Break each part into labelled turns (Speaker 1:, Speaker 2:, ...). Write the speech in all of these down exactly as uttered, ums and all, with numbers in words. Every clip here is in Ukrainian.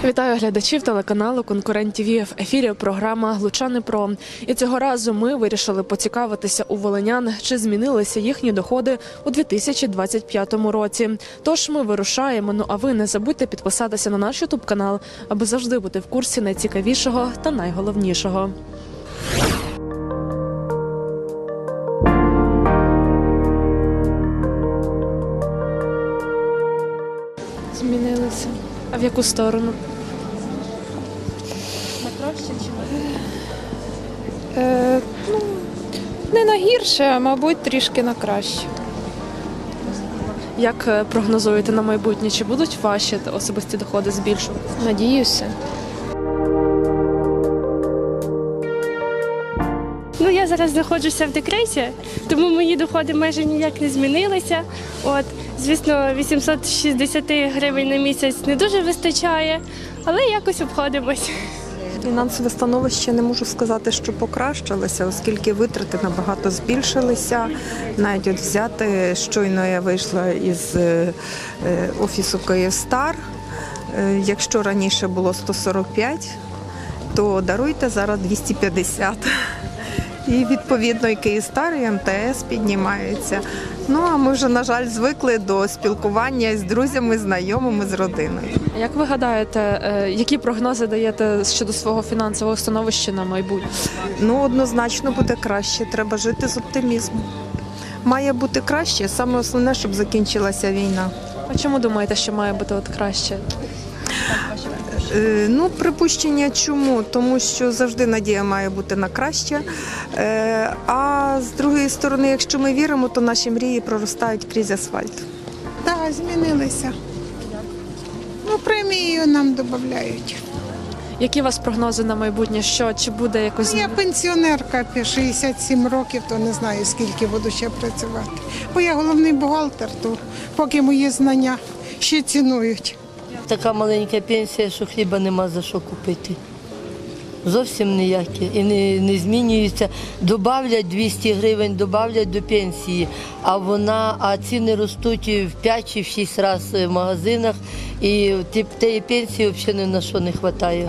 Speaker 1: Вітаю глядачів телеканалу «Конкурент ТІВІ». В ефірі програма «Лучани Про». І цього разу ми вирішили поцікавитися у волинян, чи змінилися їхні доходи у дві тисячі двадцять п'ятому році. Тож ми вирушаємо, ну а ви не забудьте підписатися на наш ютуб-канал, аби завжди бути в курсі найцікавішого та найголовнішого. Змінилися. А в яку сторону? На краще чи на?
Speaker 2: Е, ну, не на гірше, а мабуть трішки на краще.
Speaker 1: Як е, прогнозуєте на майбутнє? Чи будуть ваші особисті доходи збільшуватися?
Speaker 2: Надіюся.
Speaker 3: Ну, я зараз знаходжуся в декреті, тому мої доходи майже ніяк не змінилися. От, звісно, вісімсот шістдесят гривень на місяць не дуже вистачає, але якось обходимось.
Speaker 4: Фінансове становище не можу сказати, що покращилося, оскільки витрати набагато збільшилися. Навіть от взяти, щойно я вийшла із е, офісу «Київстар». Е, якщо раніше було сто сорок п'ять, то даруйте зараз двісті п'ятдесят. І відповідно і «Київстар», і ем те ес піднімаються. Ну а ми вже, на жаль, звикли до спілкування з друзями, знайомими, з родиною.
Speaker 1: Як ви гадаєте, е, які прогнози даєте щодо свого фінансового становища на майбутнє?
Speaker 4: Ну, однозначно буде краще, треба жити з оптимізмом. Має бути краще, саме основне, щоб закінчилася війна.
Speaker 1: А чому думаєте, що має бути от краще?
Speaker 4: Е, ну, припущення чому? Тому що завжди надія має бути на краще. Е, а з другої сторони, якщо ми віримо, то наші мрії проростають крізь асфальт.
Speaker 5: Так, змінилися. Ну, премію нам додають.
Speaker 1: Які у вас прогнози на майбутнє? Що, чи буде якось...
Speaker 5: Я пенсіонерка, шістдесят сім років, то не знаю, скільки буду ще працювати. Бо я головний бухгалтер, то поки мої знання ще цінують.
Speaker 6: Така маленька пенсія, що хліба нема за що купити. Зовсім ніякі. І не, не змінюється. Добавлять двісті гривень, добавлять до пенсії, а вона, а ціни ростуть в п'ять чи в шість разів в магазинах, і тієї пенсії взагалі ні на що не вистачає.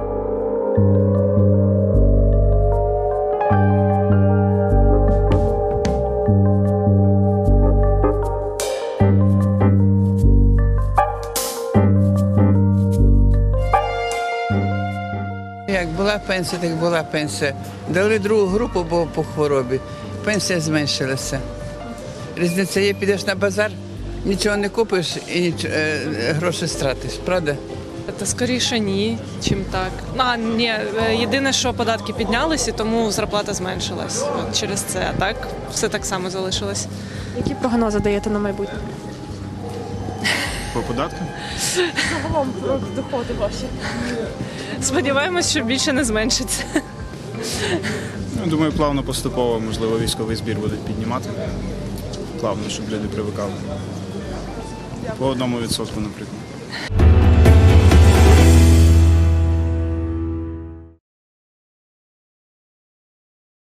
Speaker 7: Як була пенсія, так була пенсія. Дали другу групу, бо по хворобі. Пенсія зменшилася. Різниця є, підеш на базар, нічого не купиш і ніч... е, гроші стратиш, правда?
Speaker 8: Та скоріше ні, чим так. А, ні, єдине, що податки піднялися, тому зарплата зменшилась. От через це, а так все так само залишилось.
Speaker 1: Які прогнози даєте на майбутнє?
Speaker 9: По податкам?
Speaker 1: Загалом про доходи ваші.
Speaker 8: Сподіваємось, що більше не зменшиться.
Speaker 9: Ну, думаю, плавно поступово, можливо, військовий збір будуть піднімати. Плавно, щоб люди привикали. По одному відсотку, наприклад.